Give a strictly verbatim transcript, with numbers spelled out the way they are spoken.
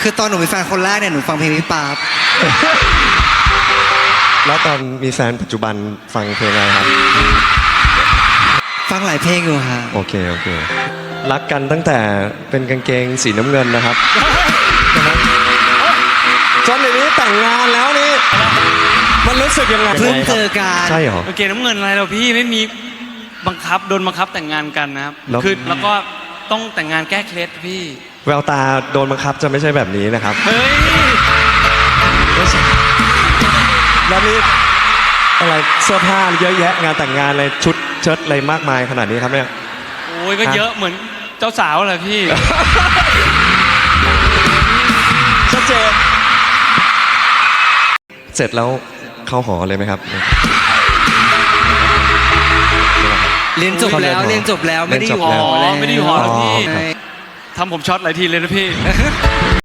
คือตอนหนูมีแฟนคนแรกเนี่ยหนูฟังเพลงพี่ป๊าบแล้วตอนมีแฟนปัจจุบันฟังเพลงอะไรครับฟังหลายเพลงอยู่ฮะโอเคโอเครักกันตั้งแต่เป็นกางเกงสีน้ำเงินนะครับจนเดี๋ยวนี้แต่งงานแล้วนี่มันรู้สึกยังไงเพิ่งเจอกันใช่เหรอโอเคน้ำเงินอะไรเราพี่ไม่มีบังคับโดนบังคับแต่งงานกันนะครับแล้วคือแล้วก็ต้องแต่งงานแก้เคล็ดพี่แววตาโดนบังคับจะไม่ใช่แบบนี้นะครับเฮ้ยแล้วนี่อะไรเสื้อผ้าเยอะแยะงานแต่งงานอะไรชุดเชิ้ตอะไรมากมายขนาดนี้ครับเนี่ยโอ้ยก็เยอะเหมือนเจ้าสาวเลยพี่ชัดเจนเสร็จแล้วเข้าหอเลยไหมครับเรียนจบแล้วเรียนจบแล้วไม่ได้อยู่หออ๋อแล้วไม่ได้อยู่หอแล้วพี่ใช่ทำผมช็อตหลายทีเลยนะพี่